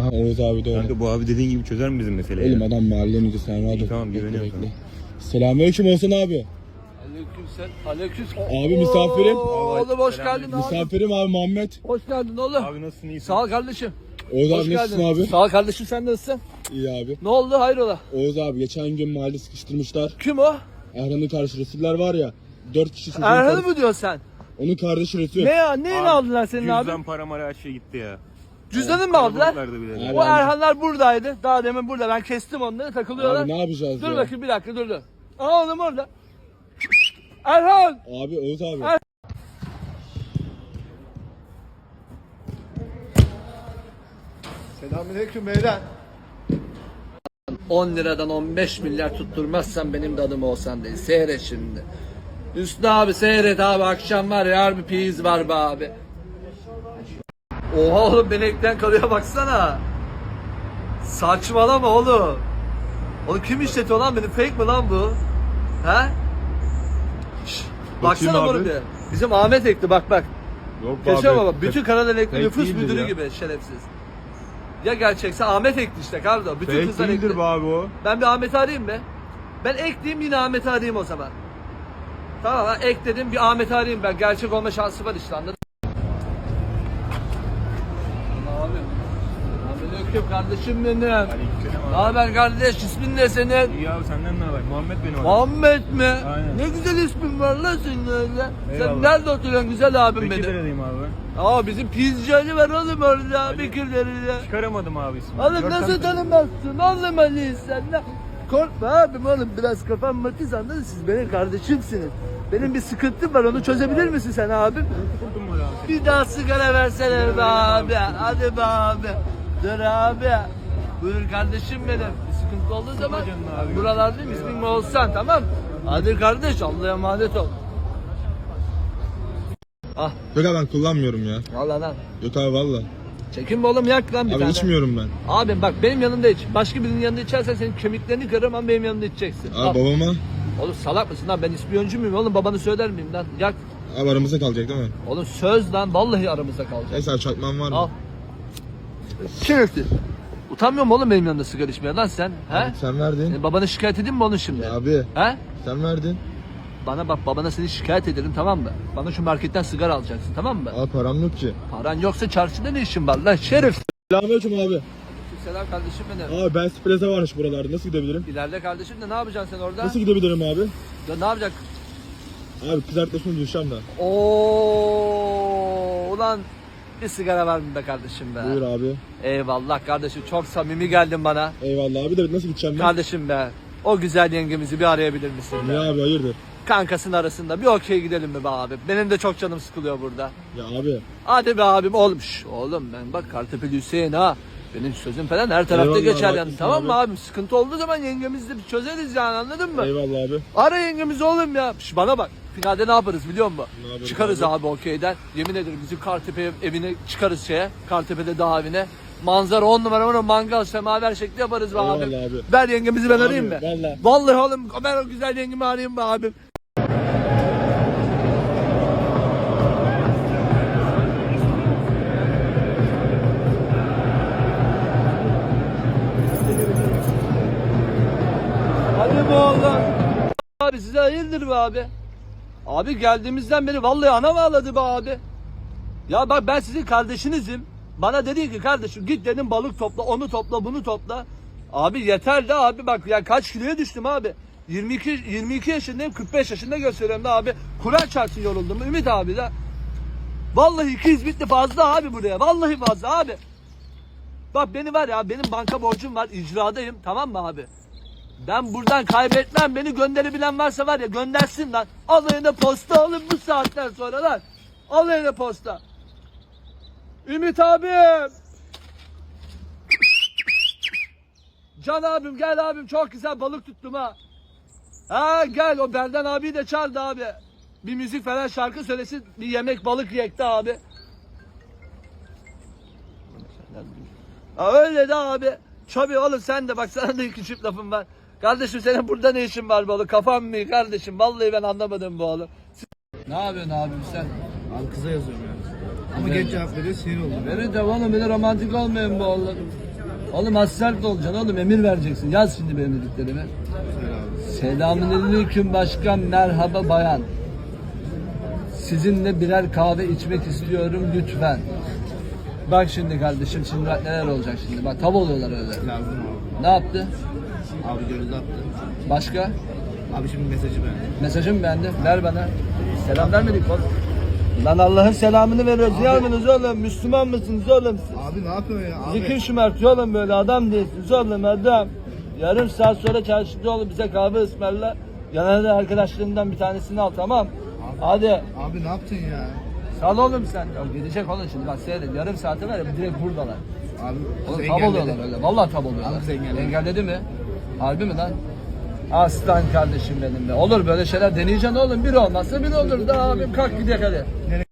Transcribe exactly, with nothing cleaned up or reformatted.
Oğuz abi de öyle. Kanka bu abi dediğin gibi çözer mi bizim meseleyi? Elim adam mahallemizi sen rahat ol. Tamam, güveniyorum sana. Selamünaleyküm Oğuzhan abi. Aleykümselam. Aleyküm. Abi misafirim. Oğlum hoş geldin abi. Misafirim abi Muhammed. Hoş geldin oğlum. Abi nasılsın, iyisin? Sağ ol kardeşim. Oğuz Hoş abi nasılsın geldin. abi? Sağ ol kardeşim, sen nasılsın? İyi abi. Ne oldu, hayrola? Oğuz abi geçen gün mahalle sıkıştırmışlar. Kim o? Erhan'ın kardeşi Resuller var ya. Dört kişi çocuğun Erhan'ı kardeşi- mı diyorsun sen? Onun kardeşi Resul. Ne ya? Neyini aldılar senin abi? Cüzdan, para mara her şey gitti ya. Cüzdanını mı aldılar? Kalabalıklardı bile. Abi, O Erhanlar buradaydı. Daha demin burada. Ben kestim onları, takılıyorlar. Abi ne yapacağız Dur ya? bakayım bir dakika, dur dur. Aa oğlum orada. Erhan! Abi Oğuz abi. Er- Selamünaleyküm beyler. on liradan on beş milyar tutturmazsan benim de adım olsan değil. Seyret şimdi. Hüsnü abi seyret abi, akşam var ya, harbi piyiz var be abi. Oha oğlum, benekten kalıyor baksana. Saçmalama oğlum. Oğlum kim işletiyor lan beni, fake mi lan bu? He? Şşş, baksana Bakayım bunu abi. bir. Bizim Ahmet ekti, bak bak. Yok Keşke baba, bütün Karadeniz Fake nüfus değildir müdürü ya. gibi şerefsiz. Ya gerçekse Ahmet ekti işte kardo. Bütün Fake kızlar değildir ekti. be abi o. Ben bir Ahmet'i arayayım be. Ben ekleyeyim, yine Ahmet'i arayayım o zaman. Tamam ha, ekledim, bir Ahmet'i arayayım ben. Gerçek olma şansı var işte, anladın mı? Abi. Aleyküm kardeşim benim. Ne haber kardeş, ismin ne senin? İyi abi, senden ne haber? Muhammed beni var. Muhammed mi? Aynen. Ne güzel ismin var lan senin öyle. Sen Eyvallah. nerede oturuyorsun güzel abim benim? Bekir'deyim abi. Aa bizim pizzacı Ali var oğlum orada, Bekirleriyle. Çıkaramadım abi ismini. Oğlum Görsen nasıl de- tanımazsın oğlum Ali sen ne? Korkma abim oğlum, biraz kafam matiz, anladın, siz benim kardeşimsiniz. Benim bir sıkıntım var, onu çözebilir misin sen abim? Buldum mu abi? Bir daha sigara versene be abi, hadi be abi. Dur abi. Buyur kardeşim benim. Bir sıkıntı olduğu zaman canım abi. buralardayım, ismin mi olsan, tamam. Hadi kardeş, Allah'a emanet ol. Ah Yok abi ben kullanmıyorum ya. valla lan. Yok abi valla. Çekin be oğlum, yak lan bir Abi tane. içmiyorum ben. Abim bak, benim yanımda iç. Başka birinin yanında içersen senin kemiklerini kırarım, ama benim yanımda içeceksin. Abi Al. babama. Oğlum salak mısın lan, ben ispiyoncu muyum oğlum, babanı söyler miyim lan? Yak. Abi aramızda kalacak değil mi? Oğlum söz lan, vallahi aramızda kalacak. Neyse abi çakmağın var mı? Al. Şerefsiz. Utanmıyor musun oğlum benim yanımda sigara içmeye lan sen? He? Abi sen verdin. E, babanı şikayet edeyim mi onu şimdi? Ya abi He? sen verdin. Bana bak, babana seni şikayet ederim, tamam mı? Bana şu marketten sigara alacaksın, tamam mı? Abi param yok ki. Paran yoksa çarşıda ne işin var lan şerif? Selamünaleyküm abi. Selam kardeşim benim. Abi ben Spreze varmış buralarda. Nasıl gidebilirim? İleride kardeşim de ne yapacaksın sen orada? Nasıl gidebilirim abi? Ya ne yapacak? Abi kızartmasını düşeceğim da. Oo, ulan bir sigara var mı be kardeşim be? Buyur abi. Eyvallah kardeşim, çok samimi geldin bana. Eyvallah abi de nasıl gideceğim ben? Kardeşim be, o güzel yengemizi bir arayabilir misin be? Niye abi hayırdır? Kankasının arasında bir okey gidelim mi be abi? Benim de çok canım sıkılıyor burada. Ya abi. Hadi be abim oğlum. Şş, oğlum ben bak Kartepe Hüseyin ha. Benim sözüm falan her tarafta Eyvallah, geçer yani. haklısın Tamam mı abi. abim? Sıkıntı olduğu zaman yengemizle bir çözeriz yani, anladın mı? Eyvallah abi. Ara yengemizi oğlum ya. Şş, bana bak. Finalde ne yaparız biliyor musun? Ne yaparız Çıkarız abi? abi, okeyden. Yemin ederim bizim Kartepe evine çıkarız şeye. Kartepe'de dağ evine. Manzara on numara, onu mangal semaver şekli yaparız be Eyvallah abi. abi. Ver yengemizi, ben Abi, arayayım mı? vallahi. Vallahi oğlum, ben o güzel yengemi arayayım be abim. Hadi be oğlum. Abi size hayırdır be abi? Abi geldiğimizden beri vallahi ana ağladı be abi. Ya bak, ben sizin kardeşinizim. Bana dedi ki kardeşim git dedim, balık topla, onu topla, bunu topla. Abi yeter de abi, bak ya kaç kiloya düştüm abi. yirmi iki yirmi iki yaşındayım, kırk beş yaşında gösteriyorum da abi. Kur'an çarpsın yoruldum Ümit abi de. Vallahi iki yüz bitti fazla abi buraya. Vallahi fazla abi. Bak beni var ya, benim banka borcum var, icradayım, tamam mı abi? Ben buradan kaybetmem, beni gönderebilen varsa var ya göndersin lan. Alayına posta alın bu saatten sonra lan. Alayına posta. Ümit abim. Can abim gel abim, çok güzel balık tuttum ha. Ha gel, o Berdan abiyi de çağırdı abi. Bir müzik falan, şarkı söylesin, bir yemek balık yekti abi. Ha öyle de abi. Tabii oğlum, sen de bak, sana da iki çift lafım var. Kardeşim senin burada ne işin var be oğlum? Kafam mı kardeşim? Vallahi ben anlamadım bu oğlum. Ne yapıyorsun abim sen? Abi kıza yazıyorum ya. Ama geç cevap veriyor, sinir oldum. Verin de oğlum, bir de romantik olmayın bu oğlum. Oğlum az sert olacaksın oğlum, emir vereceksin. Yaz şimdi benim dediklerimi. Selamünaleyküm başkan, merhaba bayan. Sizinle birer kahve içmek istiyorum lütfen. Bak şimdi kardeşim, şimdi bak neler olacak şimdi. Bak tav oluyorlar öyle. Lazım abi. Ne yaptı? Abi görüldü attı. Başka? Abi şimdi mesajı beğendim. Mesajımı beğendim. Ver bana. Selam vermedik oğlum. Lan Allah'ın selamını veriyoruz. Abi. Ya mısınız oğlum? Müslüman mısınız oğlum siz? Abi ne yapıyorsun ya abi? Zikir şımartıyor oğlum, böyle adam değilsiniz oğlum, adam. Yarım saat sonra çarşıda oğlum bize kahve ısmarla. Yanına da arkadaşlarından bir tanesini al, tamam. Hadi. Abi ne yaptın ya? Sal oğlum sen. Ya gidecek oğlum şimdi, bak seyredin. Yarım saate var ya, direkt buradalar. Abi Oğlum kız tab engelledi. oluyorlar öyle. Vallahi tab oluyorlar. Abi kız engelledi. Engelledi mi? Harbi mi lan? Aslan kardeşim benim be. Olur böyle şeyler, deneyeceksin oğlum. Bir olmazsa bir olur da abim, kalk gidelim hadi.